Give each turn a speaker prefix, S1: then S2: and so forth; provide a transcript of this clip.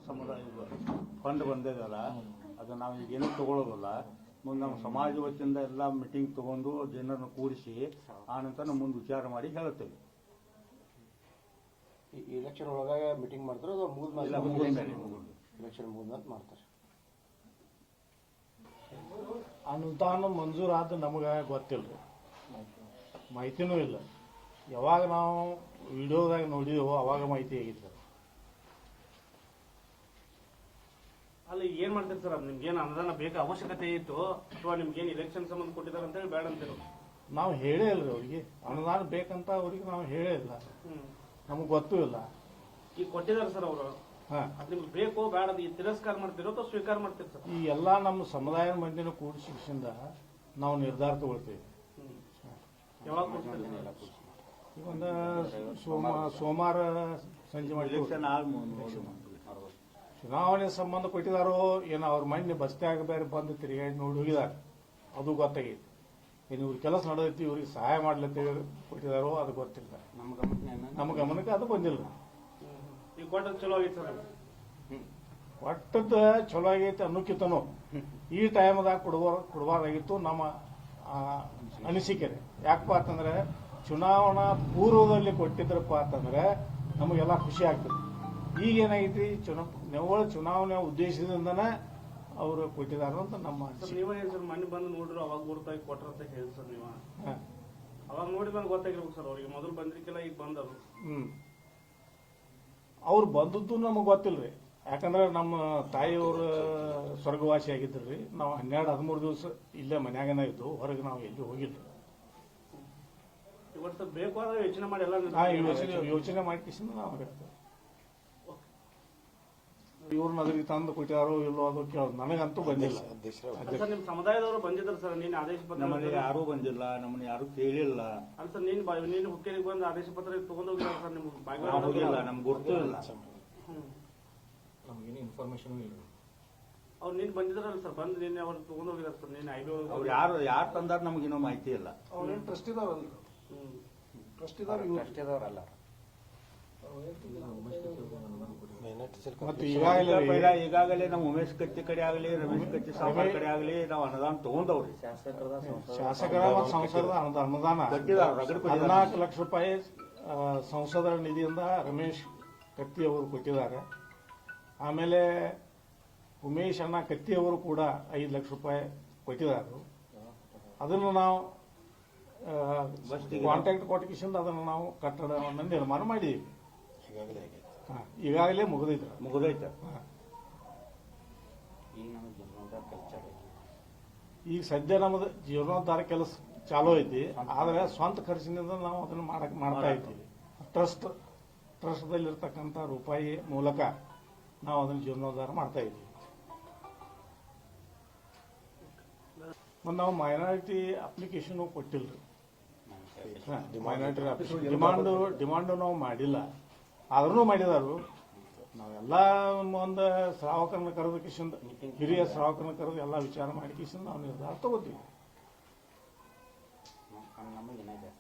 S1: ಸಮುದಾಯ ಫಂಡ್ ಬಂದಿದೆಯಲ್ಲ ಅದು ನಾವು ಈಗೇನು ತಗೊಳ್ಳೋದಿಲ್ಲ. ಮುಂದೆ ನಮ್ಮ ಸಮಾಜ ವತಿಯಿಂದ ಎಲ್ಲ ಮೀಟಿಂಗ್ ತಗೊಂಡು ಜನರನ್ನು ಕೂರಿಸಿ ಆನಂತರ ನಾವು ಮುಂದೆ ವಿಚಾರ ಮಾಡಿ ಹೇಳ್ತೇವೆ.
S2: ಎಲೆಕ್ಷನ್ ಒಳಗೆ ಮೀಟಿಂಗ್ ಮಾಡ್ತಾರೆ ಅದು ಎಲೆಕ್ಷನ್ ಮುಗಿದ ಮಾಡ್ತಾರೆ.
S3: ಅನುದಾನ ಮಂಜೂರಾದ ನಮಗೆ ಗೊತ್ತಿಲ್ಲ, ಮಾಹಿತಿನೂ ಇಲ್ಲ. ಯಾವಾಗ ನಾವು ವಿಡಿಯೋದಾಗ ನೋಡಿದೆವೋ ಅವಾಗ ಮಾಹಿತಿ ಆಗಿತ್ತು.
S4: ಅಲ್ಲ ಏನ್ ಮಾಡ್ತೀರಿ ಸರ್? ನಿಮ್ಗೇನು ಅನುದಾನ ಬೇಕಾ, ಅವಶ್ಯಕತೆ ಇತ್ತು ಅಥವಾ ನಿಮ್ಗೇನು ಇಲೆಕ್ಷನ್ ಸಂಬಂಧ ಕೊಟ್ಟಿದ್ದಾರೆ ಅಂತ ಹೇಳಿ ಬೇಡ ಅಂತೀರ?
S3: ನಾವು ಹೇಳೇ ಇಲ್ರಿ ಅವ್ರಿಗೆ ಅನುದಾನ ಬೇಕಂತ ಅವ್ರಿಗೆ ನಾವು ಹೇಳೇ ಇಲ್ಲ, ನಮಗೆ ಗೊತ್ತೂ ಇಲ್ಲ.
S4: ಈಗ ಕೊಟ್ಟಿದ್ದಾರೆ ಸರ್ ಅವರು, ಅದ್ ನಿಮ್ಗೆ ಬೇಕು ಬೇಡ ಈ ತಿರಸ್ಕಾರ ಮಾಡ್ತಿರೋ ಅಥವಾ ಸ್ವೀಕಾರ ಮಾಡ್ತೀರಿ ಸರ್?
S3: ಈ ಎಲ್ಲಾ ನಮ್ಮ ಸಮುದಾಯ ಮಂದಿನ ಕೂಡಿಸಿಂದ ನಾವು ನಿರ್ಧಾರ ತಗೊಳ್ತೀವಿ.
S4: ಯಾವಾಗ ಕೊಡ್ತೀರಿ?
S3: ಈಗ ಒಂದು ಸೋಮವಾರ ಸಂಜೆ ಮಾಡಿ ಚುನಾವಣೆ ಸಂಬಂಧ ಕೊಟ್ಟಿದಾರೋ ಏನೋ ಅವ್ರ ಮೊನ್ನೆ ಬಸ್ತ್ಯಾಗ ಬೇರೆ ಬಂದು ತಿರುಗಾಡಿ ನೋಡಿ ಹೋಗಿದಾರೆ, ಅದು ಗೊತ್ತಾಗೈತಿ. ಇನ್ನು ಇವ್ರ ಕೆಲಸ ನಡೆದೈತಿ, ಇವ್ರಿಗೆ ಸಹಾಯ ಮಾಡ್ಲತ್ತೇವೆ ಕೊಟ್ಟಿದಾರೋ ಅದು ಗೊತ್ತಿಲ್ಲ. ನಮ್ಮ ಗಮನಕ್ಕೆ ಅದು ಬಂದಿಲ್ಲ.
S4: ಈಗ ಕೊಟ್ಟದ್ದು ಚಲೋ ಆಗೈತೆ ಸರ್?
S3: ಒಟ್ಟದ ಚಲೋ ಆಗೈತೆ ಅನ್ನೋಕ್ಕಿಂತನೂ ಈ ಟೈಮ್ದಾಗ ಕೊಡಬಾರ್ದಾಗಿತ್ತು ನಮ್ಮ ಅನಿಸಿಕೆ. ಯಾಕಪ್ಪ ಅಂತಂದ್ರೆ ಚುನಾವಣಾ ಪೂರ್ವದಲ್ಲಿ ಕೊಟ್ಟಿದ್ರಪ್ಪ ಅಂತಂದ್ರೆ ನಮಗೆಲ್ಲ ಖುಷಿ ಆಗ್ತದೆ. ಈಗೇನಾಗೈತಿ ನೆವಳ ಚುನಾವಣೆ ಉದ್ದೇಶದಿಂದನೇ ಅವರು ಕೊಟ್ಟಿದ್ದಾರೆ ಅಂತ ನಮ್ಮ
S4: ನೀವೇ ಸರ್ ಮನೆ ಬಂದು ನೋಡ್ರು ಅವಾಗ ಗುರುತಾಗಿ ಕೊಟ್ರ ಅಂತ ಹೇಳಿ ಸರ್ ನೀವು ಅವಾಗ ನೋಡಿ ಬಂದು ಗೊತ್ತಾಗಿರ್ಬೇಕು ಸರ್ ಅವ್ರಿಗೆ. ಮೊದಲು ಬಂದಿರ್ಕಿಲ್ಲ, ಈಗ ಬಂದರು.
S3: ಅವ್ರು ಬಂದದ್ದು ನಮಗೆ ಗೊತ್ತಿಲ್ರಿ. ಯಾಕಂದ್ರೆ ನಮ್ಮ ತಾಯಿಯವರು ಸ್ವರ್ಗವಾಸಿ ಆಗಿದ್ರಿ. ನಾವು 12-13 ದಿವಸ ಇಲ್ಲೇ ಮನ್ಯಾಗನ ಇದ್ದು, ಹೊರಗೆ ನಾವು ಎಲ್ಲಿ ಹೋಗಿಲ್ಲ.
S4: ಇವತ್ತು ಬೇಕು ಆದ್ರೆ ಯೋಚನೆ ಮಾಡಿ ಎಲ್ಲ
S3: ಯೋಚನೆ ಮಾಡಿಕಿಸಿಂದ ನಾವು ಇವ್ರನ್ನ ಅದ್ರಿಗೆ ತಂದು ಕೊಟ್ಟಾರೋ ಇಲ್ಲೋ ಅದು ಕೇಳೋದು ನನಗಂತೂ ಬಂದಿಲ್ಲ.
S4: ನಿಮ್ ಸಮುದಾಯದವರು ಬಂದಿದ್ರು ಸರ್, ನೀನು ಆದೇಶ ಪತ್ರ?
S1: ನಮ್ಮಲ್ಲಿ ಯಾರೂ ಬಂದಿಲ್ಲ, ನಮ್ಮನ್ನ ಯಾರು ಕೇಳಿಲ್ಲ.
S4: ಅಲ್ಲ ಸರ್, ನೀನು ಹುಕ್ಕೇರಿಗೆ ಬಂದು ಆದೇಶ ಪತ್ರ ತಗೊಂಡು ಹೋಗಿಲ್ಲ ಸರ್? ನಿಮ್ಗೆ
S1: ಹೋಗಿಲ್ಲ, ನಮ್ಗೆ ಗೊತ್ತೂ ಇಲ್ಲ,
S2: ನಮಗೇನು ಇನ್ಫಾರ್ಮೇಶನ್ ಇಲ್ಲ.
S4: ಅವ್ರು ನೀನ್ ಬಂದಿದ್ರಲ್ಲ ಸರ್, ಬಂದು ನಿನ್ನೆ ಅವ್ರು ತಗೊಂಡು ಹೋಗಿದಾರೆ ಸರ್. ನೀನು ಐಬಿ
S1: ಅವ್ರು ಯಾರು ತಂದಾರ ನಮಗಿನ್ನೂ ಮಾಹಿತಿ ಇಲ್ಲ.
S3: ಅವ್ರೇನು ಟ್ರಸ್ಟ್ ಇದಾವಲ್ಲ, ಟ್ರಸ್ಟ್ ಇದಾವಲ್ಲ.
S1: ಈಗಾಗಲೇ ನಮ್ಮ ಉಮೇಶ್ ಕತ್ತಿ ಕಡೆ ಆಗಲಿ, ರಮೇಶ್ ಕತ್ತಿ ಸಾಂಬಾರ್ ಕಡೆ ಆಗಲಿ ನಾವು ಅನುದಾನ ತಗೊಂಡವ್ರಿ.
S3: ಶಾಸಕರ ಮತ್ತು ಸಂಸದರ ಅನುದಾನ 14 ಲಕ್ಷ ರೂಪಾಯಿ ಸಂಸದರ ನಿಧಿಯಿಂದ ರಮೇಶ್ ಕತ್ತಿ ಅವರು ಕೊಟ್ಟಿದ್ದಾರೆ. ಆಮೇಲೆ ಉಮೇಶ್ ಅಣ್ಣ ಕತ್ತಿ ಅವರು ಕೂಡ 5 ಲಕ್ಷ ರೂಪಾಯಿ ಕೊಟ್ಟಿದ್ದಾರೆ. ಅದನ್ನು ನಾವು ಕಾಂಟ್ಯಾಕ್ಟ್ ಕೊಟ್ಟಿಸಿಂದ ಅದನ್ನು ನಾವು ಕಟ್ಟಡವನ್ನು ನಿರ್ಮಾಣ ಮಾಡಿದ್ದೀವಿ. ಈಗಾಗಲೇ ಮುಗಿದೈತೆ. ಈಗ ಸದ್ಯ ನಮ್ಮದು ಜೀರ್ಣೋದ್ಧಾರ ಕೆಲಸ ಚಾಲೂ ಐತಿ. ಆದ್ರೆ ಸ್ವಂತ ಖರ್ಚಿನಿಂದ ನಾವು ಅದನ್ನು ಮಾಡ್ತಾ ಇದ್ದೀವಿ. ಟ್ರಸ್ಟ್ದಲ್ಲಿರ್ತಕ್ಕಂಥ ರೂಪಾಯಿ ಮೂಲಕ ನಾವು ಅದನ್ನು ಜೀರ್ಣೋದ್ಧಾರ ಮಾಡ್ತಾ ಇದ್ದೀವಿ. ಮತ್ತು ನಾವು ಮೈನಾರಿಟಿ ಅಪ್ಲಿಕೇಶನ್ ಕೊಟ್ಟಿಲ್ರಿ. ಮೈನಾರಿಟಿ ಡಿಮಾಂಡು ನಾವು ಮಾಡಿಲ್ಲ, ಆದ್ರೂ ಮಾಡಿದಾರು. ನಾವೆಲ್ಲ ಒಂದು ಶ್ರಾವಕರನ್ನ ಕರೆದು ಕಿಶನ್, ಹಿರಿಯ ಶ್ರಾವಕರನ್ನ ಕರೆದು ಎಲ್ಲ ವಿಚಾರ ಮಾಡಿ ಕಿಶನ್ ನಾವು ನಿರ್ಧಾರ ತಗೋತೀವಿ.